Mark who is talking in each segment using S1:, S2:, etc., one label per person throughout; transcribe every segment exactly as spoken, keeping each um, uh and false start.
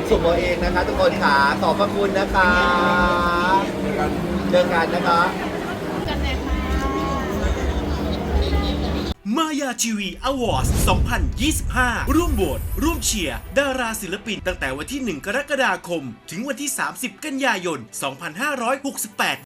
S1: สุ่มเอาเองนะคะทุกคนค่ะขอบพระคุณนะคะเจอกันนะคะ
S2: มายาทีวีอวอร์ดสองพันยี่สิบห้า ร่วมโหวตร่วมเชียร์ดาราศิลปินตั้งแต่วันที่ หนึ่ง กรกฎาคม ถึงวันที่ สามสิบ กันยายน สองพันห้าร้อยหกสิบแปด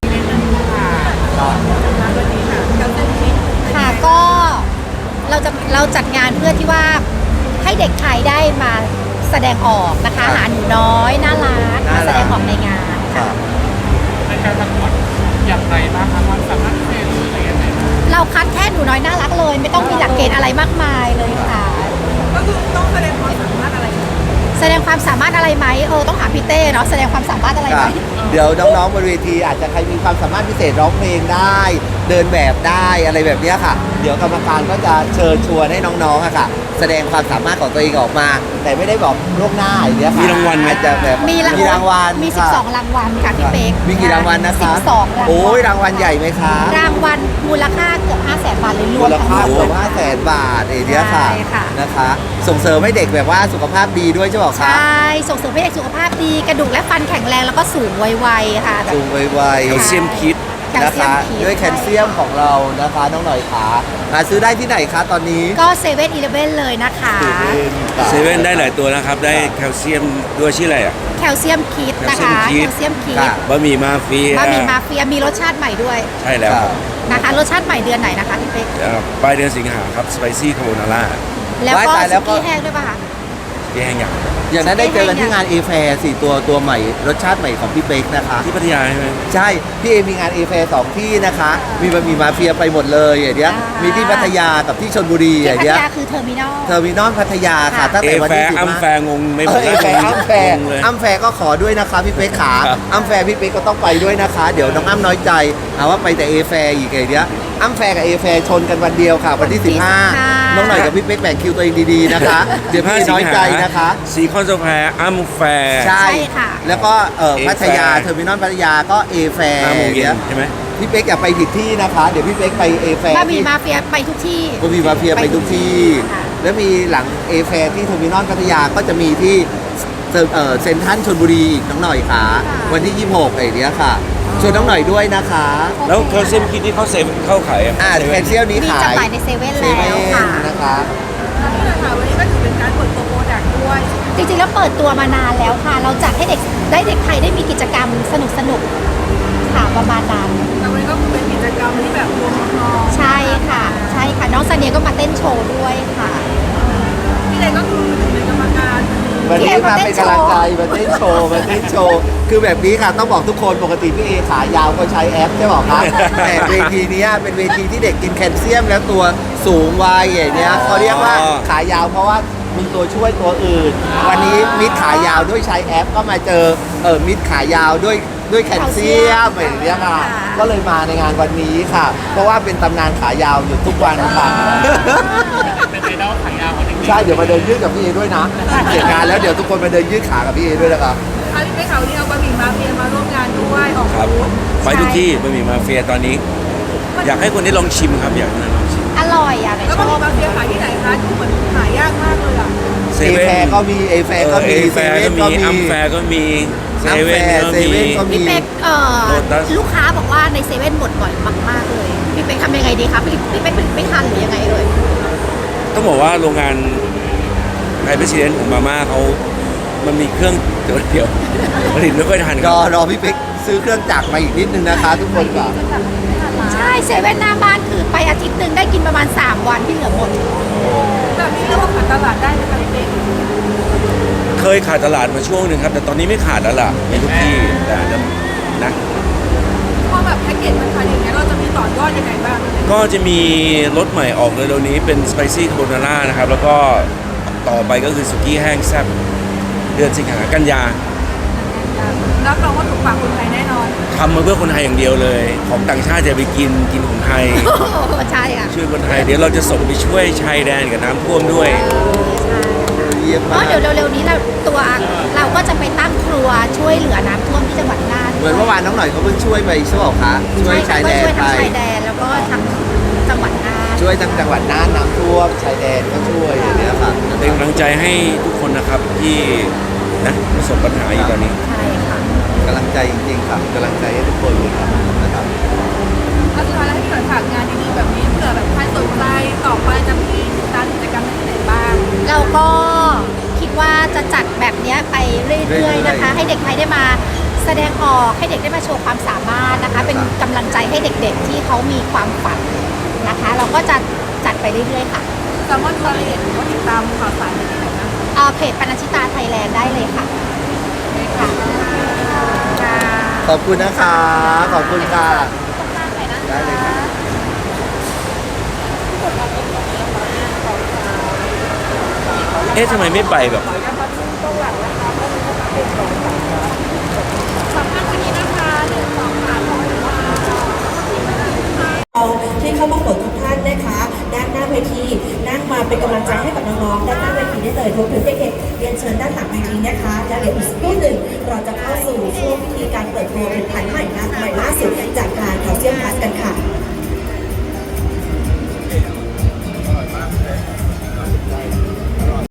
S3: ค่ะก็เราจะเราจัดงานเพื่อที่ว่าให้เด็กไทยได้มาแสดงออกนะคะหาหนูน้อยน่ารักมาแสดงออกในงานค่ะ
S4: ในการประกวดอย่างไรบ้างคะความสามารถพิเศษหรืออะไรยังไง
S3: เราคัดแค่หนูน้อยน่ารักเลยไม่ต้องมีหลักเกณฑ์อะไรมากมายเลยค่ะ
S5: ก็คือต้องแสดงความสามารถอะไร
S3: แสดงความสามารถอะไรไหมเออต้องถามพี่เต้เนาะแสดงความสามารถอะไรไหม
S1: เดี๋ยวน้องๆบนเวทีอาจจะใครมีความสามารถพิเศษร้องเพลงได้ เดินแบบได้อะไรแบบนี้ค่ะเดี๋ยวกรรมการก็จะเชิญชวนให้น้องๆอะค่ะแสดงความสามารถของตัวเองออกมา แต่ไม่ได้บอกล่วงหน้าอย่างนี้ค่ะ
S6: มีรางวัลไหม
S1: อาจจะแบบ
S3: มีรางวัลมีสิบสองรางวัลค่ะพี่เป๊ก
S1: มีกี่รางวัลนะคะ
S3: สิบสองรางวัล
S1: โอ้ยรางวัลใหญ่ไหมคะ
S3: รางวัลมูลค่าเกือบห้าแสนบาทเลยรวม
S1: มูลค่าเกือบห้าแสนบาทเอเดียค่ะนะคะส่งเสริมให้เด็กแบบว่าสุขภาพดีด้วยใช่ไหมคะ
S3: ใช่ส่งเสริมให้เด็กสุขภาพดีกระดูกและฟันแข็งแรงแล้วก็สูงวัยๆค่ะ
S1: สูงวัยๆ
S6: แคลเซียมคิด
S1: นะคะด้วยแคลเซียมของเรานะคะน้องหน่อยขาหาซื้อได้ที่ไหนคะตอนนี้
S3: ก็เซเว่นอีเลฟเว่นเลยนะคะ
S6: เซเว่นได้หลายตัวนะครับได้แคลเซียมด้วยชื่ออะไรอ่ะ
S3: แคลเซียมคิดนะคะแคลเซียมคิด
S6: บะหมี่มาเฟีย
S3: บะหมี่มาเฟียมีรสชาติใหม่ด้วย
S6: ใช่แล้ว
S3: นะคะรสชาติใหม่เดือนไหนนะคะพี่เป๊ก
S6: ปลายเดือนสิงหาครับสไปซี่คาโบนาร่า
S3: แล้วก็ซุกี้แห้งด้วยป่ะคะ
S6: ที่แห้งอย่าง
S1: อย่างนั้นได้เจอกันที่งานเอแฟร์สี่ตัวตัวใหม่รสชาติใหม่ของพี่เป๊กนะคะ
S6: ที่พัทยาใช่ไหม
S1: ใช่พี่เอมีงานเอแฟร์สองที่นะคะมีบะหมี่มาเฟียไปหมดเลยอย่างเนี้ยมีที่พัทยากับที่ชลบุรีอย่างเนี้ย
S3: พัทยาคือเทอร์มินอล
S1: เทอร์มินอลพัทยาค่ะตั้งแต่วันที่สิบห้า
S6: อัมแฟร์งงไม่หมด
S1: เอแฟร์อัมแฟร์อัมแฟร์ก็ขอด้วยนะคะพี่เป๊กขาอัมแฟร์พี่เป๊กก็ต้องไปด้วยนะคะเดี๋ยวน้องอ้ำน้อยใจหาว่าไปแต่เอแฟร์อีกอย่างเนี้ยอัมแฟร์กับเอแฟร์ชนกันวันเดียวค่ะวันที่สิบห้าน้องหน่อยกับพี่เป๊กแบ่งคิวตัวเองดีๆนะคะเดี๋ยวพี่น้อยใจนะคะ
S6: ซีคอนโซแฟร์อัมแฟร์
S1: ใช่ค่ะแล้วก็เออพัทยาเทอร์มินอลพัทยาก็เอแฟร์
S6: ใช่ไหม
S1: พี่เป๊กอย่าไปผิดที่นะคะเดี๋ยวพี่เป๊กไปเอแฟร์
S3: บะหมี่มาเฟียไปทุกที่
S1: บะหมี่มาเฟียไปทุกที่แล้วมีหลังเอแฟร์ที่เทอร์มินอลพัทยาก็จะมีที่เออเซ็นทรัลชลบุรีอีกน้องหน่อยค่ะวันที่ยี่สิบหกไอ้เนี้ยค่ะชวนน้องหน่อยด้วยนะคะ
S6: แล้วแคลเซียมคิดที่เขาเซฟเข้าขาย
S1: อ่าแคลเซียมนี้ขาย
S3: มีจำหน่ายในเซเว่นแล้วค่ะ
S1: นะคะ
S5: นี่แหละค่ะวันนี้ก็ถือเป็นการเปิดตัวโปรดักต์ด้วย
S3: จริงๆแล้วเปิดตัวมานานแล้วค่ะเราจัดให้เด็กได้เด็กไทยได้มีกิจกรรมสนุกสนุกค่ะประมาณนั้น
S5: แต่วันนี้ก็เป็นกิจกรรมที่แบบรวมน้อง
S3: ใช่ค่ะใช่ค่ะน้องซันเนียก็มาเต้นโชว์ด้วยค่ะ
S5: พี่เลยก็คือเป็นกรรมการ
S1: วันนี้มาเป็นกำลังใจมาเต้นโชว์มาเต้นโชว์คือแบบนี้ค่ะต้องบอกทุกคนปกติพี่เอขายาวก็ใช้แอปใช่ไหมครับแต่เวทีนี้เป็นเวทีที่เด็กกินแคลเซียมแล้วตัวสูงวัยอย่างเนี้ยเขาเรียกว่าขายาวเพราะว่ามีตัวช่วยตัวอื่นวันนี้มิดขายาวด้วยใช้แอปก็มาเจอเออมิดขายาวด้วยด้วยแคลเซียมอย่างเงี้ยค่ะก็เลยมาในงานวันนี้ค่ะเพราะว่าเป็นตำนานขายาวอยู่ทุกวันค่ะ
S4: เป็นไอดอลขายาวคนหนึ่ง
S1: ใช่เดี๋ยวมาเดินยืดกับพี่เอด้วยนะเสร็จงานแล้วเดี๋ยวทุกคนมาเดินยืดขากับพี่เอด้วยนะครับ
S5: อันนี้เป็นข่าวที่เอาบะหมี่มาเฟียมาร่วมงานด้วยออกบูธ
S6: ไปทุกที่บะหมี่มาเฟียตอนนี้อยากให้คนได้ลองชิมครับอยากให้ลองชิม
S3: อร่อยอ่ะ
S5: แล้วบะหมี่มาเฟียขายที่ไหนคะดูเหมือนหายากมากเลยอ่ะ
S1: เอแฟร์ก็มีเอแฟร์ก็มี
S6: เซเว่นก็มีอัมแฟร์ก็มีเซเว่นก็มี
S3: พี่เป๊กเอ่อลูกค้าบอกว่าในเซเว่นหมดบ่อยมากๆเลยพี่เป๊กทำยังไงดีคะพี่พี่เป๊กไม่ทันหรือยังไงเอ่ย
S6: ต้องบอกว่าโรงงานไทยเพรสซิเดนต์ของมาม่าเขามันมีเครื่องเดียวผลิตไม่ค่อยทัน
S1: รอรอพี่เป๊กซื้อเครื่องจักรมาอีกนิดนึงนะคะทุกคนก่อน
S3: ใช่เซเว่นหน้าบ้านคือไปอาทิตย์หนึ่งได้กินประมาณสามวันที่เหลือหมด
S5: แบบนี้เรียกว่าขาดตลาดได้ไหมคะพี่เป๊ก
S6: เคยขาดตลาดมาช่วงหนึ่งครับแต่ตอนนี้ไม่ขาดแล้วล่ะในทุกที่แต่นะ
S5: พอแบบแพ็กเกจมันขายอย่างเงี้ยเราจะมีต่อยอดยังไงบ้าง
S6: ก็จะมีรสใหม่ออกเลยเร็วนี้เป็นสไปซี่คาโบนาร่านะครับแล้วก็ต่อไปก็คือสุกี้แห้งแซ่บเดือนสิงหากันยา
S5: รับรองว่าถูกปากคนไทยแน่นอน
S6: ทำมาเพื่อคนไทยอย่างเดียวเลยของต่างชาติจะไปกินกินของไทย
S3: ใช่ค่ะ
S6: ช่วยคนไทยเดี๋ยวเราจะส่งไปช่วยชายแดนกับน้ำท่วมด้วย
S3: เพราะเดี๋ยวเร็วๆนี้เราตัวเราก็จะไปตั้งครัวช่วยเหลือน้ำท่วมที่จังหวัดน่าน
S1: เหมือนเมื่อวานน้องหน่อยเขาเพิ่งช่วยไปใช่ไหมคะช่วยชายแดนไป
S3: ช่วยทั้งชายแดนแล้วก็ทั้งจังหวัดน่าน
S1: ช่วยทั้งจังหวัดน่านน้ำท่วมชายแดนก็ช่วยอย่างเงี้ยค่ะ
S6: เป็นกำลังใจให้ทุกคนนะครับที่นะประสบปัญหาอยู่ตอนนี้
S3: ใช่ค่ะ
S1: กำลังใจจริงๆครับกำลังใจให้ทุกคนเลยครับนะครับ
S5: แล้วสุดท้ายแล้วให้พี่หน่อยฝากงานดีๆแบบนี้เผื่อแบบใครสนใจต่อไปจะมีติดตามกิจกรรมที่ไหนบ้าง
S3: เราก็คิดว่าจะจัดแบบเนี้ยไปเรื่อยๆนะคะ ให้เด็กไทยได้มาแสดงออกให้เด็กได้มาโชว์ความสามารถนะคะ เป็นกำลังใจให้เด็กๆที่เขามีความฝันนะคะ เราก็จะจัดไปเรื่อยๆค่ะ
S5: สามารถดูรายละเอียดหรือว่าติดตามข่าวสารได้ที่ไหนนะ
S3: เอาเพจปนัญชิตาไทยแลนด์ได้เลยค่ะค่ะค่ะ
S1: ขอบคุณนะคะ ขอบคุณค่ะ ได้เลยครับ
S6: เอ๊ะทำไมไม่ไปแบบ
S5: สำคัญวันนี้นะคะหนึ่งสองสามร้อยว่า
S7: ที่เข้าประกวดทุกท่านนะคะด้านหน้าเวทีนั่งมาเป็นกำลังใจให้กับน้องๆด้านหน้าเวทีได้เลยรวมถึงเด็กๆเรียนเชิญด้านหลังเวทีนะคะแล้วเดี๋ยวอีกสักครู่หนึ่งเราจะเข้าสู่ช่วงพิธีการเปิดตัวผลิตภัณฑ์